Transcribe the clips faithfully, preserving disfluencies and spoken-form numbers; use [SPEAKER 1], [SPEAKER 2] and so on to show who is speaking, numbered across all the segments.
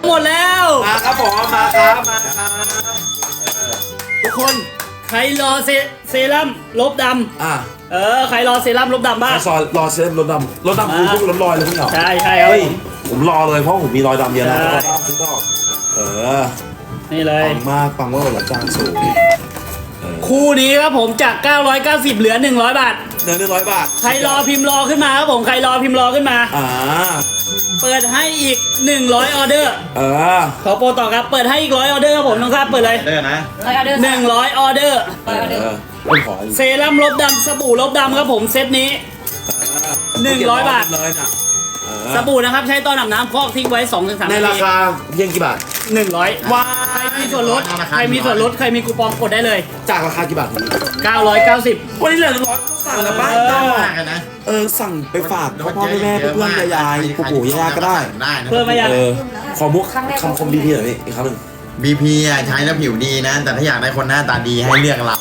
[SPEAKER 1] หมดแล้ว
[SPEAKER 2] มาครับผมมาครับมาครับทุกคน
[SPEAKER 1] ใครรอเซเซรั่มลบดำ
[SPEAKER 2] อ่ะ
[SPEAKER 1] เออใครรอเซรั่มลบดำบ้าง
[SPEAKER 2] ซอยรอเซรั่มลบดำลบดำคือพวกรถลอยเลยพวกเหรอ
[SPEAKER 1] ใช่ใช่ครับ
[SPEAKER 2] ผมรอเลยเพราะผมมีรอยดำเยอะนะเออ
[SPEAKER 1] นี่เลย
[SPEAKER 2] ปังมากปังว่าหลักจานสูง
[SPEAKER 1] คู่นี้ครับผมจากเก้าร้อยเก้าสิบเหลือหนึ่งร้อยบาท
[SPEAKER 2] เหลือหนึ่งร้อยบาท
[SPEAKER 1] ใครรอพิมพ์รอขึ้นมาครับผมใครรอพิมพ์รอขึ้นมา
[SPEAKER 2] อ่า
[SPEAKER 1] เปิดให้อีกหนึ่งร้อยออเดอร์
[SPEAKER 2] เออ
[SPEAKER 1] ขอโปรต่อครับเปิดให้อีกร้อยออเดอร์ครับผมน้องครับเปิดเลย
[SPEAKER 3] เด้อนะ
[SPEAKER 1] หนึ่งร้อยออเดอร์เซรั่มลบดำสบู่ลบดำครับผมเซตนี้หนึ่งร้อยบาท
[SPEAKER 2] เลยนะ
[SPEAKER 1] สบู่นะครับใช้ตอนอาบน้ำฟอกทิ้งไว้สองถึงสามนาที
[SPEAKER 2] ในราคาเพียงกี่บาท
[SPEAKER 1] หนึ่งร้อยว้าใครมีส่วนลดใครมีส่วนลดใครมีคูปองกดได้เลย
[SPEAKER 2] จากราคากี่บาท
[SPEAKER 1] เก้าร้อยเก้าสิบ
[SPEAKER 2] วันนี้เหลือหนึ่งร้อยสั่งนะป้า
[SPEAKER 3] ต้องมากนะ
[SPEAKER 2] เออสั่งไปฝากพ่อพ่อแม่เพื่อนยายปู่ปู่ย่าก็ได้
[SPEAKER 1] เพิ่มมายัง
[SPEAKER 2] ขอมุกคำคมดีๆหน่อยพี่อีกครั้งหนึ่ง
[SPEAKER 3] บี พี อ่ะใช้แล้วผิวดีนะแต่ถ้าอยากได้คนหน้าตาดีให้เลือกเรา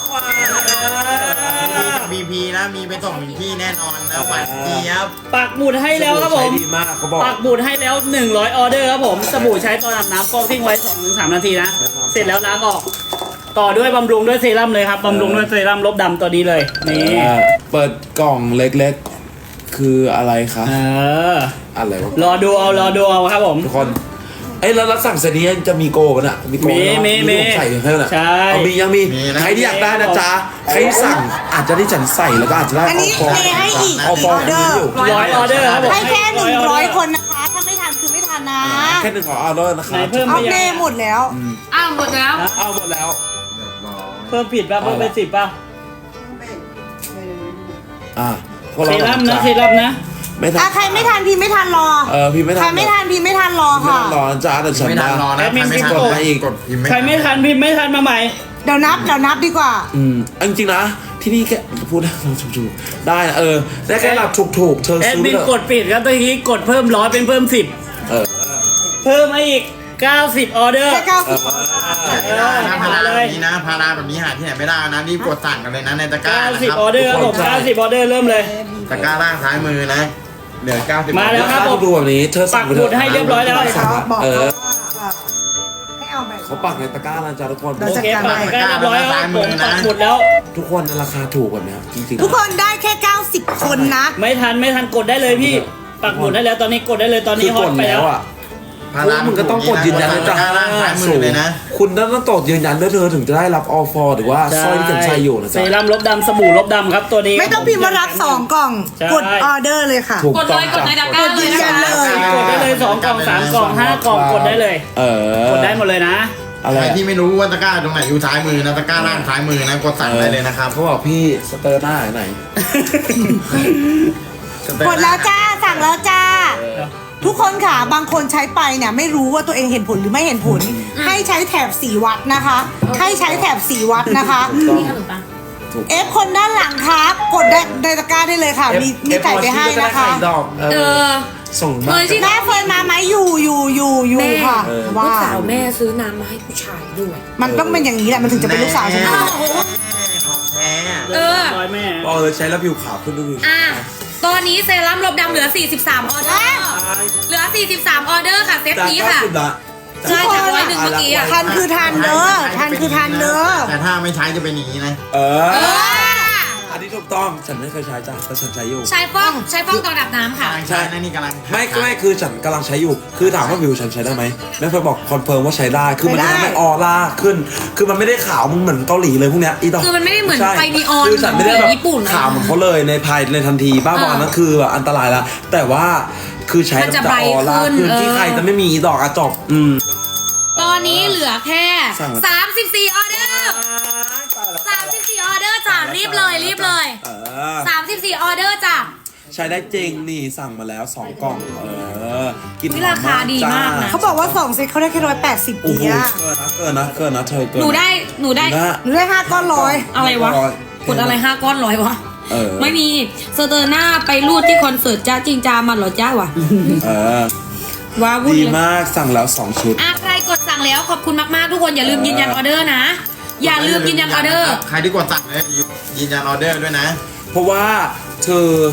[SPEAKER 3] บี พี นะมีไปส่งถึงที่แน่นอนนะหวานเจี๊ยบ
[SPEAKER 1] ปักหมุดให้แล้วครับผมปักหมุดให้แล้วหนึ่งร้อยออเดอร์ครับผมสบู่ใช้ตอนอาบน้ำฟอกทิ้งไว้ สองถึงสาม นาทีนะเสร็จแล้วล้างออกต่อด้วยบำรุงด้วยเซรั่มเลยครับบำรุงด้วยเซรั่มลบดำตัวนี้เลยนี่
[SPEAKER 2] เปิดกล่องเล็กๆคืออะไรคะ
[SPEAKER 1] เออ
[SPEAKER 2] อะไรวะ
[SPEAKER 1] รอดูเอารอดูเอาครับผม
[SPEAKER 2] ทุกคนไอ้แล้วรับสั่งเสร็จนี้จะมีโกป่ะน่ะมีโก
[SPEAKER 1] มีมีมี
[SPEAKER 2] ใส่ให้น่ะ
[SPEAKER 1] ใช่
[SPEAKER 2] เอามียังมีใครที่อยากได้นะจ๊ะใครสั่งอาจจะได้จันใส่แล้วก็อาจจะได้
[SPEAKER 4] อันนี้เทให้อีก
[SPEAKER 2] เอาฟอง
[SPEAKER 4] เดอร์
[SPEAKER 1] ร้อยออเดอร์ครับผม
[SPEAKER 4] ให้แค่หนึ่งร้อยคนนะคะถ้าไม่ทันคือไม่ทันนะ
[SPEAKER 2] แค่หนึ่งขอออเดอร์นะครับ
[SPEAKER 1] เพิ่ม
[SPEAKER 4] เอาเน่หมดแล้ว
[SPEAKER 5] อ้าวหมดแล้ว
[SPEAKER 2] อ้าวหมดแล้ว
[SPEAKER 1] เพิ่มผิดป่ะเพิ่มเป็นสิบป่ะ
[SPEAKER 2] อ่า
[SPEAKER 1] เซรั่มนะเซรั่มนะ
[SPEAKER 2] ไม่ทัน
[SPEAKER 4] ใครไม่ทันพี่ไม่ทันรอ
[SPEAKER 2] เออพี่ไม่ทัน
[SPEAKER 4] ใครไม่ทันพี่ไม่ทันรอค่ะ
[SPEAKER 2] รอจ้าแต่ฉัน
[SPEAKER 3] ไม่ทันรอนะใครไม่ทัน
[SPEAKER 2] มาอีก
[SPEAKER 1] ใครไม่ทันพิมพ์ไม่ทันมาใหม่
[SPEAKER 4] เดี๋ยวนับเดี๋ยวนับดีกว่า
[SPEAKER 2] อืมจริงๆนะที่นี่แค่พูดได้ถูกๆได้เออได้แค่หลับถูกๆเธอ
[SPEAKER 1] แอดมินกดปิดครับตะกี้กดเพิ่มร้อยเป็นเพิ่มสิบ
[SPEAKER 2] เออ
[SPEAKER 1] เพิ่มมาอีกเก้าสิบออเดอร์
[SPEAKER 4] แค่เก้าสิบ
[SPEAKER 3] พาราแบบนี้นะพาราแบบนี้หาที่ไหนไม่ได้นะรีบกดสั่งกันเลยนะในตะกร้า
[SPEAKER 1] เก้าสิบออเดอร์ครับผมเก้าสิบออเดอร์เริ่มเลย
[SPEAKER 3] ตะกร้าล่างซ้ายมือนะเหลือเก้าสิบ
[SPEAKER 1] มาแล้วครับผม
[SPEAKER 2] ดูแบบนี้เธอ
[SPEAKER 1] ปักหมุดให้เรียบร้อยแล้ว
[SPEAKER 4] เออ
[SPEAKER 2] เขาปักในตะกร้าแล้วจ้าทุกคน
[SPEAKER 1] โอเคปักตะกร้าเรียบร้อยแล้วผมปักหมุดแล้ว
[SPEAKER 2] ทุกคนราคาถูกแบบนี้จริง
[SPEAKER 4] ๆทุกคนได้แค่เก้าสิบคนนะ
[SPEAKER 1] ไม่ทันไม่ทันกดได้เลยพี่ปักหมุดได้แล้วตอนนี้กดได้เลยตอนนี้ฮอตไปแล้วอ่ะ
[SPEAKER 2] พารามึงก็ต้องกดยืนยันเลยจ้า
[SPEAKER 3] สูงเลยนะ
[SPEAKER 2] คุณต้องตกยืนยันด้วยเธอถึงจะได้รับออฟอร์หรือว่าสร้อยที่ฉันใช้อยู่นะจ๊ะ
[SPEAKER 1] เซรั่มลบดำสบู่ลบดำครับตัวนี้
[SPEAKER 4] ไม่ต้องพิมพ์มารับสองกล่องกดออเดอร์เลยค่ะ
[SPEAKER 5] กดเลยกดในตะกร้าเลย
[SPEAKER 4] ยืนยันเลย
[SPEAKER 1] กดได้เลยสองกล่องสามกล่องห้ากล่องกดได้เลย
[SPEAKER 2] เออก
[SPEAKER 1] ดได้หมดเลยนะ
[SPEAKER 3] อะไรที่ไม่รู้ว่าตะกร้าตรงไหนอยู่ซ้ายมือนะตะกร้าล่างซ้ายมือนะกดสั่งได้เลยนะครับ
[SPEAKER 2] เขาบอกพี่สเตอร์หน้าไหน
[SPEAKER 4] กดแล้วจ้าสั่งแล้วจ้าทุกคนค่ะบางคนใช้ไปเนี่ยไม่รู้ว่าตัวเองเห็นผลหรือไม่เห็นผลให้ใช้แถบสีวัดนะคะให้ใช้แถบสีวัดนะคะเอฟคนด้านหลังครับกดได้ในตะกร้าได้เลยค่ะมีมีไก่ไปให้นะคะ
[SPEAKER 5] เออ
[SPEAKER 2] ส่งมา
[SPEAKER 4] แม่เฟิร์นมาไหมอยู่อยู่อยู่อยู่ค่ะ
[SPEAKER 5] ลูกสาวแม่ซื้อน้ำมาให้ผู้ชายด้วย
[SPEAKER 4] มันต้องเป็นอย่างนี้แหละมันถึงจะเป็นลูกสาวฉัน
[SPEAKER 5] เออ
[SPEAKER 1] แม่
[SPEAKER 2] บอกเลยใช้แล้วผิวขาวขึ้นด้วย
[SPEAKER 5] อ่ะตอนนี้เซรั่มลบดำเหลือสี่สิบสามออเดอร์เหลือสี่สิบสามออเดอร์ค่ะเซตนี้ค่ะใช่จากร้อยหนึ่งเมื่อกี้อ่ะ
[SPEAKER 4] ทันคือทันเด้อทันคือทันเด้อ
[SPEAKER 3] แต่ถ้าไม่ใช้จะเป็นอย่างนี้นะ
[SPEAKER 2] เอออันนี้ถูกต้องฉันไม่เคยใช้จ้ะแต่ฉันใช้อยู่
[SPEAKER 5] ใช้ฟอกใช้ฟอกตอนอาบน้ำค่ะ
[SPEAKER 3] ใช่นั่นนี่กำลัง
[SPEAKER 2] ไม่ไม่คือฉันกำลังใช้อยู่คือถามว่าผิวฉันใช้ได้ไหมแม่เฟิร์นบอกคอนเฟิร์มว่าใช้ได้คือมันทำให้ออร่าขึ้นคือมันไม่ได้ขาวมึงเหมือนเกาหลีเลยพวกเนี้ยอีดอก
[SPEAKER 5] คือมันไม่ได้เหมือนไฟนีออน
[SPEAKER 2] คือฉันไม่ได้แบบ
[SPEAKER 5] ญี่ปุ่น
[SPEAKER 2] ขาวเหมือนเขาเลยในภายในทันทีบ้าบอนั่นคืออันตรายแล้วแต่ว่าคือใช้แล้วจะออร่าขึ้นที่ใครจะไม่มีดอกอะจบอืม
[SPEAKER 5] ตอนนี้เหลือแค่สามสิบสี่ออเดอร์สามสิบสี่ออเดอร์จ้ะรีบเลยรีบเลยสามสิบสี่ออเดอร์จ้ะ
[SPEAKER 2] ใช้ได้จริงนี่สั่งมาแล้วสองกล่องเออกิน
[SPEAKER 5] ราคาดีมากนะ
[SPEAKER 4] เขาบอกว่าสองเซตเขาได้แค่ร้อยแปดสิบปีอะ
[SPEAKER 2] เกินนะเกินนะเกินนะเธอเกิน
[SPEAKER 5] หนูได้หนูได้
[SPEAKER 4] หนูได้ห้าก้อนร้อย
[SPEAKER 5] อะไรวะกดอะไรห้าก้อนร้อยวะไม่มีเซอร์หน้าไปรูดที่คอนเสิร์ตจ้าจริงจามันหรอจ้าวะ
[SPEAKER 2] เออ
[SPEAKER 5] ว้าวุ่น
[SPEAKER 2] ดีมากสั่งแล้วสองชุด
[SPEAKER 5] อ่ะใครกดสั่งแล้วขอบคุณมากๆทุกคนอย่าลืมยืนยันออเดอร์นะอย่าลืมยืนยันออเดอร์
[SPEAKER 3] ใครที่กดสั่งเลยยืนยันออเดอร์ด้วยนะ
[SPEAKER 2] เพราะว่าเธอ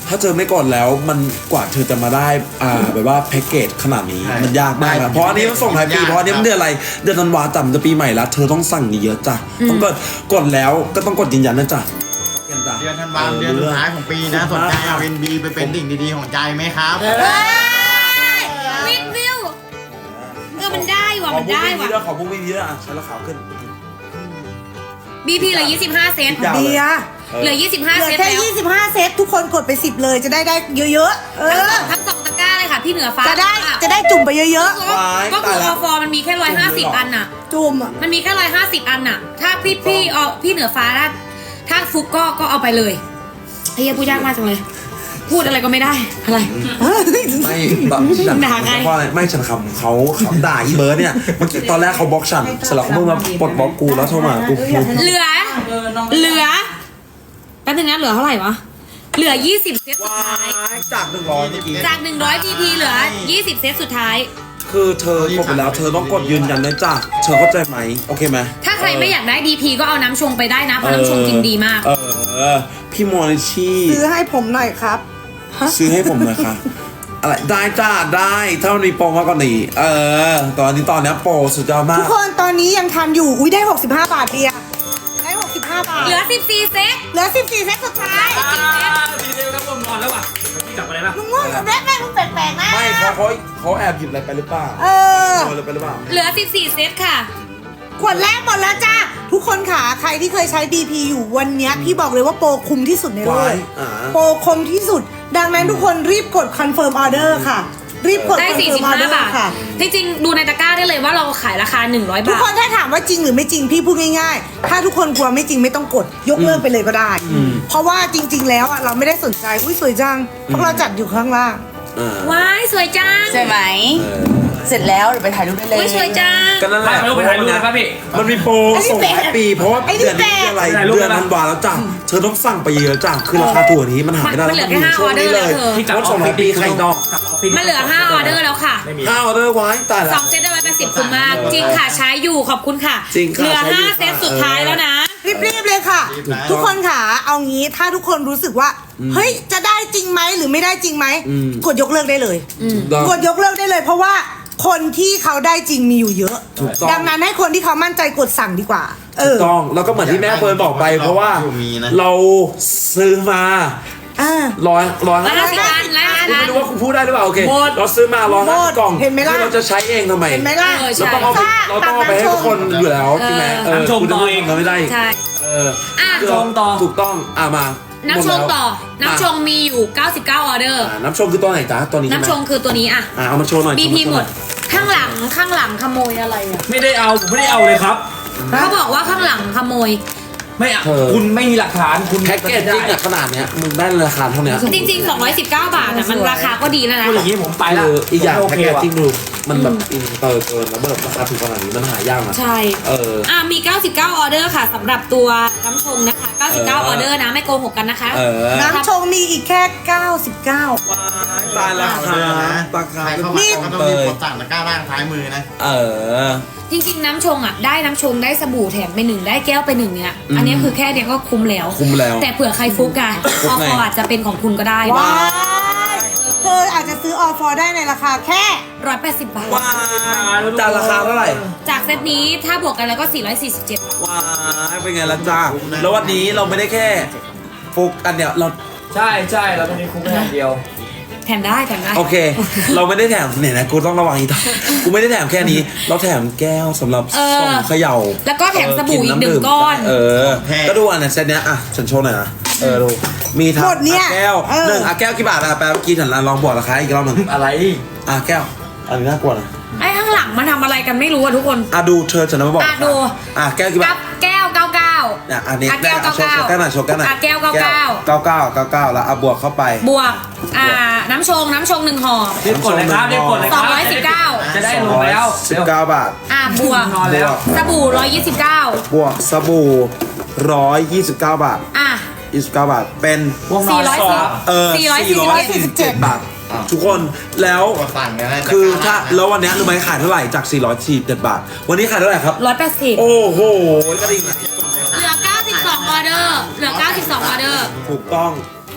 [SPEAKER 2] ถ้าเธอไม่กดแล้วมันกว่าเธอจะมาได้อ่าแบบว่าแพ็กเกจขนาดนี้มันยากมากนะเพราะอันนี้มันส่งท้ายปีเพราะอันนี้มันเดือนอะไรเดือนธันวาจันจะปีใหม่แล้วเธอต้องสั่งเยอะจ้ะต้องกดกดแล้วก็ต้องกดยืนยันนะจ๊ะ
[SPEAKER 3] เดือนธันวาคมเดือนสุดท้ายของปีนะสนใจเอาเอ็นบีไปเป็นดิ่งดีๆของใจไหมครับ
[SPEAKER 5] เฮ้ยวิดวิวเออมันได้ว่ะมันได้ว่ะ
[SPEAKER 2] ขอพวกพี่ๆด้วยอ่ะใช้ราคาขึ้น
[SPEAKER 5] บี พี เหลือยี่สิบห้าเซนต์
[SPEAKER 2] ยาว
[SPEAKER 4] เดีย
[SPEAKER 5] เหลือยี่สิบห้า
[SPEAKER 4] เหลื
[SPEAKER 5] เซ
[SPEAKER 4] อน
[SPEAKER 5] ต์
[SPEAKER 4] แค่
[SPEAKER 5] แล้ว
[SPEAKER 4] ยี่สิบห้าเซตทุกคนกดไปสิบเลยจะได้ได้เยอะๆเออ
[SPEAKER 5] ทั้งสองตะกร้าเลยค่ะพี่เหนือฟ้า
[SPEAKER 4] จะได้จะได้จุ่มไปเยอะ
[SPEAKER 5] ก็คือออฟอร์มันมีแค่ร้อยห้าสิบอันน่ะ
[SPEAKER 4] ๆ จุ่มอะ
[SPEAKER 5] มันมีแค่ร้อยห้าสิบอันน่ะ ถ้าพี่พี่เอาพี่เหนือฟ้าถ้าถ้าฟุกก็ก็เอาไปเลยเฮียพูดยากมากจังเลย พูดอะไรก็ไม่ได้อะไร
[SPEAKER 2] ไม่แบบฉัน
[SPEAKER 5] ด่าไง
[SPEAKER 2] เพราะอะไรไม่ฉันคำเขาเขาด่าอีเบิร์ดเนี่ยเมื่อกี้ตอนแรกเขาบล็อกฉันเสร็จแล้วเขาเพิ่งมาปลดบล็อกกูแล้วโทรมากูกู
[SPEAKER 5] เหลือ เหลือแป๊บนึงนะเหลือเท่าไหร่วะเหลือยี่สิบเซตสุด
[SPEAKER 2] ว้า
[SPEAKER 5] ท้าย
[SPEAKER 2] ยจากหนึ่งร้อยเมื่อกี้
[SPEAKER 5] จากหนึ่งร้อย บี พี เหลือยี่สิบเซตสุดท้าย
[SPEAKER 2] คือเธอกดไปแล้วเธอต้องกดยืนยันนะจ๊ะเธอเข้าใจไหมโอเคไหม
[SPEAKER 5] ถ้าใครไม่อยากได้ ดี พี ก็เอาน้ำชงไปได้นะเพราะน้ำชงกินดีมาก
[SPEAKER 2] เออพี่มอนิชี่
[SPEAKER 4] ซื้อให้ผมหน่อยครับ
[SPEAKER 2] ซื้อให้ผมหน่อยค่ะอะไรได้จ้าได้ถ้ามันมีโปรมากกว่านี้เออตอนนี้ตอนนี้โปรสุดยอดมา
[SPEAKER 4] ทุ
[SPEAKER 2] ก
[SPEAKER 4] กคนตอนนี้ยังทันอยู่อุ้ยได้หกสิบห้าบาทเดียได้หกสิบห้าบาท
[SPEAKER 5] เหลือสิบสี่เซต
[SPEAKER 4] เหลือสิบสี่เซตสุดท้าย
[SPEAKER 1] ดีเร็วครับผมนอนแล้วว่ะพี่กลับมาได้ปะ
[SPEAKER 4] มึงง่วงแรกแม่มึงแปลกๆนะ
[SPEAKER 2] ไม่เขาเขาเขาแอบหยิบอะไรไปหรือเปล่า
[SPEAKER 4] เออ
[SPEAKER 2] เอาอะไรไปหรือเปล่า
[SPEAKER 5] เหลือสิบสี่เซตค่ะ
[SPEAKER 4] ขวดแรกหมดแล้วจ้าทุกคนค่ะใครที่เคยใช้ ดี พี อยู่วันเนี้ยพี่บอกเลยว่าโปรคุ้มที่สุดในโลก
[SPEAKER 2] ว้ายอ่า
[SPEAKER 4] โปรคุ้มที่สุด ดังนั้นทุกคนรีบกดคอนเฟิร์มออเดอร์ค่ะ รีบกด
[SPEAKER 5] ได้
[SPEAKER 4] คอน
[SPEAKER 5] สี่
[SPEAKER 4] เฟิ
[SPEAKER 5] สิ
[SPEAKER 4] ร์
[SPEAKER 5] บ
[SPEAKER 4] มออเด
[SPEAKER 5] ห้า
[SPEAKER 4] อ
[SPEAKER 5] บาท
[SPEAKER 4] ร์ค่ะ
[SPEAKER 5] จริงๆ ดูในตะกร้าได้เลยว่าเราขายราคาหนึ่งร้อย
[SPEAKER 4] ทุก
[SPEAKER 5] บาท
[SPEAKER 4] คนถ้าถามว่าจริงหรือไม่จริงพี่พูดง่ายๆ ถ้าทุกคนกลัวไม่จริงไม่ต้องกดยกเลิกไปเลยก็ได้ เพราะว่าจริง ๆ แล้วอะเราไม่ได้สนใจอุ้ยสวยจังเพราะเราจัดอยู่ข้างล่าง
[SPEAKER 2] อ่า
[SPEAKER 5] ว้ายสวยจัง
[SPEAKER 6] ใช่ไหม
[SPEAKER 2] เออ
[SPEAKER 6] เสร็จแล้วเดี๋ยวไปถ่ายรูปได้เลย
[SPEAKER 5] อุ้ยสวยจัง
[SPEAKER 2] ก็นั่นแหละ
[SPEAKER 1] ถ่ายรูปไปถ่ายรูปนะครับพี่
[SPEAKER 2] มันมีโปรส่งท้ายปี เพราะว่า
[SPEAKER 4] ไอ้นี่
[SPEAKER 2] เดือนนี้
[SPEAKER 4] แปลก
[SPEAKER 2] อะไร
[SPEAKER 1] ถ่ายรูป
[SPEAKER 2] เดือน
[SPEAKER 1] ได้ปะ
[SPEAKER 2] ธันวาแล้วจ้ะเธอต้องสั่งไปเยอะจ้ะคือราคาตัวนี้มันหาไม่ได้
[SPEAKER 5] มันเหลือแค่
[SPEAKER 2] แล้ว
[SPEAKER 5] ห้า
[SPEAKER 2] ช่วงนี้เลย
[SPEAKER 5] ออเดอร์แล้วเธอ
[SPEAKER 1] พี่กลับ
[SPEAKER 2] รถส่งท้ายปีใครดอก
[SPEAKER 1] กลับออฟฟิศ
[SPEAKER 5] มันเหลือห้าออเดอร์แล้วค่ะ
[SPEAKER 1] ไม่มี
[SPEAKER 2] ห้าออเดอร์ไว้ตายละ
[SPEAKER 5] สองเซตได้ร้อยแปดสิบคุ้มมาก จริงค่ะใช้อยู่ขอบคุณค่ะ
[SPEAKER 2] จริงค่ะ
[SPEAKER 5] เหลือ
[SPEAKER 2] ใช้อยู่
[SPEAKER 5] ห้าเซตสุดท้ายแล้วนะ
[SPEAKER 4] รีบๆเลยค่ะ
[SPEAKER 3] รีบแล้ว
[SPEAKER 4] ทุกคนค่ะเอางี้ถ้าทุกคนรู้สึกว่าเฮ้ยจะได้จริงไหมหรือไม่ได้จริงไหม
[SPEAKER 2] อืม
[SPEAKER 4] กดยกเลิกได้เลย
[SPEAKER 2] ดอก
[SPEAKER 4] กดยกเลิกได้เลย เพราะว่าคนที่เขาได้จริงมีอยู่เยอะ
[SPEAKER 2] ถูกต้อง
[SPEAKER 4] ดังนั้นให้คนที่เขามั่นใจกดสั่งดีกว่า เอ
[SPEAKER 2] ถู
[SPEAKER 4] อ
[SPEAKER 2] กต้องแล้วก็เหมือนที่แม่เฟิร์นบอกไป เพราะว่า
[SPEAKER 3] มีนะ
[SPEAKER 2] เราซื้อมา
[SPEAKER 4] อ่า
[SPEAKER 2] ร้อยร้อย
[SPEAKER 5] ร้อยห้าสิบอันร้อยห้าสิบอั
[SPEAKER 2] ไม่
[SPEAKER 5] น
[SPEAKER 2] รู้ว่าคุณพูดได้หรือเปล่าโอเค
[SPEAKER 1] หมด
[SPEAKER 2] เราซื้อมาร้อย
[SPEAKER 4] หม
[SPEAKER 2] ห้า
[SPEAKER 4] ด
[SPEAKER 2] กล่อง
[SPEAKER 4] เห็นไหมล่ะ
[SPEAKER 2] ที่เราจะใช้เองทำไม
[SPEAKER 4] เห็นไหมล่ะ
[SPEAKER 5] เออ
[SPEAKER 2] เราต้องเอาไปเราต้องเอาไปให้ทุกคนอยู่แล้วใช่ไหมเออ
[SPEAKER 1] น้ำชง
[SPEAKER 2] คุณจะ
[SPEAKER 1] ต่อ
[SPEAKER 2] พูด
[SPEAKER 1] เอง
[SPEAKER 2] เราไม่ได้
[SPEAKER 5] ใช่
[SPEAKER 2] เออ
[SPEAKER 5] อ่ะ
[SPEAKER 2] คือ
[SPEAKER 1] ชงต่อ
[SPEAKER 2] ถูกต้องอ่ะมา
[SPEAKER 5] น้ำชงต่อ น้ำชงมีอยู่เก้าสิบเก้าออเดอร์
[SPEAKER 2] อ่ะน้ำชงคือตัวไหนจ๊ะตัวนี้ใช่ไหม
[SPEAKER 5] น้ำชงคือตัวนี้อ่ะ
[SPEAKER 2] อ่ะเอามาโชว์หน่อย
[SPEAKER 5] บี
[SPEAKER 2] โชว์
[SPEAKER 5] พี
[SPEAKER 2] โชว์
[SPEAKER 5] หม
[SPEAKER 2] น่อ
[SPEAKER 5] ด
[SPEAKER 2] ย
[SPEAKER 5] ข้างหลังข้างหลังขโมยอะไรอ่ะ
[SPEAKER 1] ไม่ได้เอาผมไม่ได้เอาเลยครับ
[SPEAKER 5] เขาบอกว่าข้างหลังขโมย
[SPEAKER 1] ไม่เอาคุณไม่มีหลักฐานคุณ
[SPEAKER 2] แพ็กเกจจิ้งอะขนาดเนี้ยมึงได้ราคาเท่าเนี้ย
[SPEAKER 5] จริงๆสองร้อยสิบเก้าบาทอ่ะมันราคาก็ดีแล้วนะ
[SPEAKER 1] พูดอย่างนี้ผมไปละ
[SPEAKER 2] คืออีกอย่าง
[SPEAKER 1] โอ
[SPEAKER 2] แพ็ก
[SPEAKER 1] เค
[SPEAKER 2] เกจ
[SPEAKER 1] ว่ะ
[SPEAKER 2] จิ้งดูมันแบบอินเตอร์เกินแล้วแบบราคาถูกขนาดนี้มันหายากนะ
[SPEAKER 5] ใช่
[SPEAKER 2] เออ
[SPEAKER 5] อ่ะมี เก้าสิบเก้าออเดอร์ค่ะสำหรับตัวน้ำชงนะคะ เก้าสิบเก้า
[SPEAKER 2] เออ
[SPEAKER 5] ออเดอร์นะไม่โกหกกันนะคะ
[SPEAKER 2] เออ
[SPEAKER 4] น้ำชงมีอีกแค่เก้าสิบเก้า
[SPEAKER 2] ตายราคาราคา
[SPEAKER 3] ใครเข้ามาก็ต้องรีบกดสั่งตะกร้าล่างซ้ายมือนะ
[SPEAKER 2] เออ
[SPEAKER 5] จริงๆน้ำชงอ่ะได้น้ำชงได้สบู่แถมไปหนึ่งได้แก้วไปหนึ่งเนี่ย
[SPEAKER 2] อืม
[SPEAKER 5] อันนี้คือแค่เดียวก็คุ้มแล้ว
[SPEAKER 2] คุ้มแล้ว
[SPEAKER 5] แต่เผื่อใครฟุกอะ
[SPEAKER 2] ฟุ
[SPEAKER 5] อก
[SPEAKER 2] ไง
[SPEAKER 5] ออาจจะเป็นของคุณก็ได้
[SPEAKER 4] ว้ายเธออาจจะซื้อออฟอร์ได้ในราคาแค่
[SPEAKER 5] ร้อยแปดสิบบาท
[SPEAKER 2] ว้ายจานราคาเท่าไหร่
[SPEAKER 5] จากเซตนี้ถ้าบวกกันแล้วก็สี่ร้อยสี่สิบเจ็ดบาท
[SPEAKER 2] ว้ายเป็นไงล่ะจ้าแล้ววันนี้เราไม่ได้แค่ฟุกอันเนี้ยเรา
[SPEAKER 1] ใช่ใช่เราต้องมีคุ้มแค่เดียว
[SPEAKER 5] แถมได้แถมได้
[SPEAKER 2] โอเค เราไม่ได้แถมเนี่ยนะกูต้องระวังอีกต่อกูไม่ได้แถมแค่นี้ เราแถมแก้วสำหรับส่งเขย่า
[SPEAKER 5] แล้วก็แถมสบู่อีกหนึ่งก้อน
[SPEAKER 2] เออ
[SPEAKER 3] แพง
[SPEAKER 2] ก็ดูอันนั้นเซตเนี้ยอ่ะฉันโชว์หน่อยนะเออดูมีทั้ง
[SPEAKER 4] หมดเนี่ย
[SPEAKER 2] อ่ะแก้ว
[SPEAKER 4] เออ
[SPEAKER 2] หนึ่งอ่ะแก้วกี่บาทอ่ะแปลเมื่อกี้ฉันลองบอกราคาอีกรอบหนึ่ง
[SPEAKER 1] อะไร
[SPEAKER 2] อ่ะแก้วอันนี้น่ากลัวนะ
[SPEAKER 5] ไอ้ข้างหลังมันทำอะไรกันไม่รู้อะทุกคน
[SPEAKER 2] อ่ะดูเธอฉันมาบอก
[SPEAKER 5] อ่ะดู
[SPEAKER 2] อ่ะแก้วกี่บา
[SPEAKER 5] กั
[SPEAKER 2] ท
[SPEAKER 5] บแก้วเก้าเก้า
[SPEAKER 2] อ่ะอันนี้
[SPEAKER 5] อ่ะแก้ว
[SPEAKER 2] ได้
[SPEAKER 5] เก้า
[SPEAKER 2] อ่ะโชว์
[SPEAKER 5] เก้า
[SPEAKER 2] โชว์แก้วหน่อยโชว์แก้วหน่อย
[SPEAKER 5] อ่ะแก้วเก้าเก้า
[SPEAKER 2] เก้าเก้าเก้าเก้าแล้วอ่ะบวกเข้าไป
[SPEAKER 5] บวกอ่าน้ำชงน้ำชงหนึ่งห่อ
[SPEAKER 1] รีบกดเลยครับรีบกดเลยค
[SPEAKER 5] ส
[SPEAKER 1] รั
[SPEAKER 5] องร้อยสิบเก้า
[SPEAKER 1] จะได้ลงแล้ว
[SPEAKER 2] สิบเก้าบาท
[SPEAKER 5] อ่าบวก
[SPEAKER 1] นอนแล้ว
[SPEAKER 5] สบู่ร้อยยี่สิบเก้า
[SPEAKER 2] บวกสบู่ร้อยยี่สิบเก้าบาท
[SPEAKER 5] อ่ะ
[SPEAKER 2] ยี่สิบเก้าบาทเป็น
[SPEAKER 1] วงนอนสอง
[SPEAKER 2] เออ
[SPEAKER 5] สี่ร้อยสี่สิบเจ็ด
[SPEAKER 2] บาท ทุกคนแล้ว
[SPEAKER 3] กดสั่งกันได้
[SPEAKER 2] คือถ้าแล้ววันเนี้ยรู้ไหมขายเท่าไหร่จากสี่ร้อยสี่สิบเจ็ดบาท วันนี้ขายเท่าไหร่ครับ
[SPEAKER 5] ร้อยแปดสิบ
[SPEAKER 2] โอ้โหกระดิ่งอะ
[SPEAKER 5] เหลือเก้าสิบสองออเดอร์เหลือเก้าสิบสองออเดอร์
[SPEAKER 2] ถูกต้อง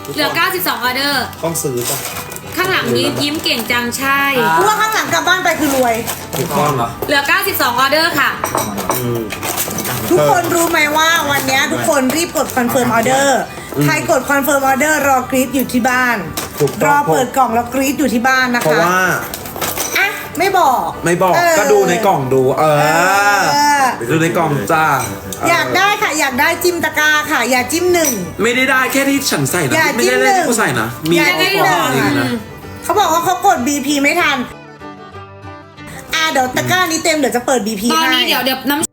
[SPEAKER 5] เหลือ เก้าสิบสอง ออเดอร์
[SPEAKER 2] ต้องซื้อจ้ะ
[SPEAKER 5] ข้างหลังนี้ยิ้มเก่งจังใช่
[SPEAKER 4] เพราะว่าข้างหลังกลับบ้านไปคือรวย
[SPEAKER 2] ถูกต้องเหรอ
[SPEAKER 5] เหลือ เก้าสิบสอง ออเดอร์ค่ะ
[SPEAKER 2] อืม
[SPEAKER 4] ทุกคนรู้ไหมว่าวันเนี้ยทุกคนรีบกดคอนเฟิร์มออเดอร์ใครกดคอนเฟิร์มออเดอร์รอกรีดอยู่ที่บ้าน
[SPEAKER 2] ถูก
[SPEAKER 4] ร
[SPEAKER 2] ต้อ
[SPEAKER 4] อง เปิดกล่องแล้วกรีดอยู่ที่บ้านนะ
[SPEAKER 2] เพราะ
[SPEAKER 4] คะ
[SPEAKER 2] ว่า
[SPEAKER 4] อ่ะไม่บอก
[SPEAKER 2] ไม่บอก
[SPEAKER 4] เ
[SPEAKER 2] ก็ดูในกล่องดู เออ
[SPEAKER 4] เออ
[SPEAKER 2] ดูในกล่องจ้า
[SPEAKER 4] อยากได้ค่ะ อยากได้จิ้มตะกร้าค่ะ อย่าจิ้มหนึ่ง
[SPEAKER 2] ไม่ได้ได้แค่ที่ฉันใส่นะ
[SPEAKER 4] อย่า
[SPEAKER 2] ไม่ได้
[SPEAKER 4] จิ้ม
[SPEAKER 2] ได้
[SPEAKER 4] หนึ่
[SPEAKER 2] ที่
[SPEAKER 4] ง
[SPEAKER 2] กูใส่นะ มี
[SPEAKER 4] อย่า
[SPEAKER 2] ข
[SPEAKER 4] จิ้
[SPEAKER 2] อง
[SPEAKER 4] ม
[SPEAKER 2] ปลอม
[SPEAKER 4] หนึ่ง
[SPEAKER 2] จริงนะ
[SPEAKER 4] เขาบอกว่าเขากด บี พี ไม่ทัน อ่ะเดี๋ยวตะกร้านี้เต็มเดี๋ยวจะเปิด บี พี
[SPEAKER 5] ตอน
[SPEAKER 4] ให้
[SPEAKER 5] นี้เดี๋ยวเดี๋ยวน้ำ